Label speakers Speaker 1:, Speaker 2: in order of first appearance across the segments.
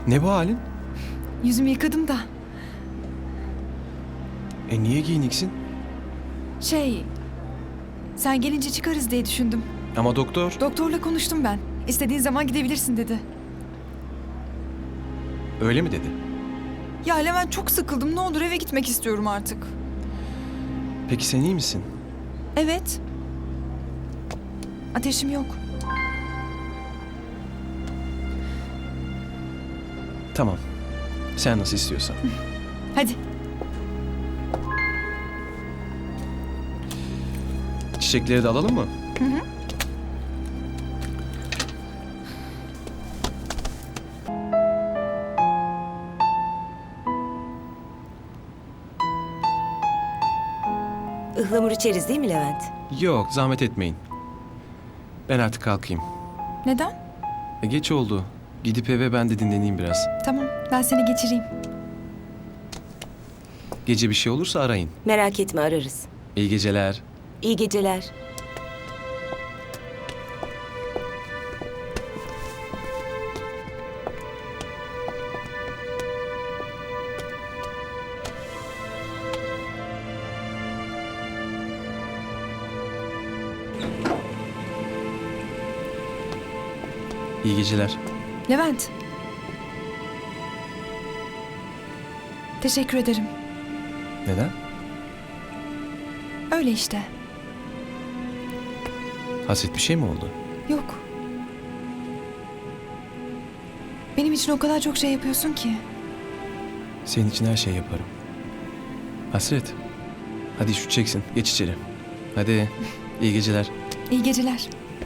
Speaker 1: Ne bu halin?
Speaker 2: Yüzümü yıkadım da.
Speaker 1: Niye giyiniksin?
Speaker 2: Sen gelince çıkarız diye düşündüm.
Speaker 1: Ama doktor...
Speaker 2: Doktorla konuştum ben. İstediğin zaman gidebilirsin dedi.
Speaker 1: Öyle mi dedi?
Speaker 2: Ya Levent, çok sıkıldım. Ne olur eve gitmek istiyorum artık.
Speaker 1: Peki sen iyi misin?
Speaker 2: Evet. Ateşim yok.
Speaker 1: Tamam. Sen nasıl istiyorsan.
Speaker 2: Hadi.
Speaker 1: Çiçekleri de alalım mı?
Speaker 2: Hı hı.
Speaker 3: Ihlamur içeriz değil mi Levent?
Speaker 1: Yok, zahmet etmeyin. Ben artık kalkayım.
Speaker 2: Neden?
Speaker 1: Geç oldu. Gidip eve ben de dinleneyim biraz.
Speaker 2: Tamam, ben seni geçireyim.
Speaker 1: Gece bir şey olursa arayın.
Speaker 3: Merak etme, ararız.
Speaker 1: İyi geceler.
Speaker 3: İyi geceler.
Speaker 1: İyi geceler.
Speaker 2: Levent. Teşekkür ederim.
Speaker 1: Neden?
Speaker 2: Öyle işte.
Speaker 1: Hasret bir şey mi oldu?
Speaker 2: Yok. Benim için o kadar çok şey yapıyorsun ki.
Speaker 1: Senin için her şeyi yaparım. Hasret. Hadi üşüteceksin. Geç içeri. Hadi. İyi geceler.
Speaker 2: İyi geceler.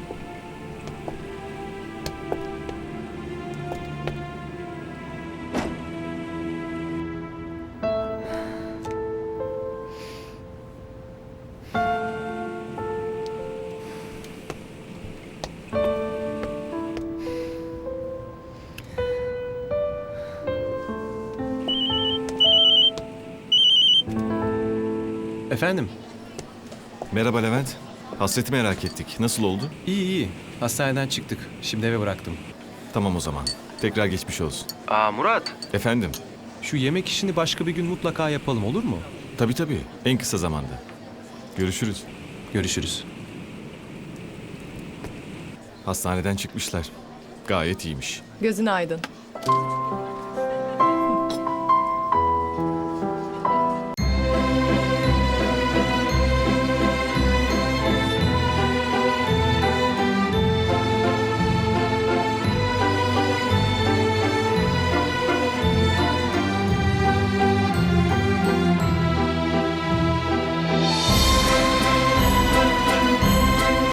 Speaker 1: Efendim?
Speaker 4: Merhaba Levent. Hasret'i merak ettik. Nasıl oldu?
Speaker 1: İyi iyi. Hastaneden çıktık. Şimdi eve bıraktım.
Speaker 4: Tamam o zaman. Tekrar geçmiş olsun.
Speaker 1: Murat.
Speaker 4: Efendim?
Speaker 1: Şu yemek işini başka bir gün mutlaka yapalım, olur mu?
Speaker 4: Tabii. En kısa zamanda. Görüşürüz.
Speaker 1: Görüşürüz.
Speaker 4: Hastaneden çıkmışlar. Gayet iyiymiş.
Speaker 5: Gözün aydın.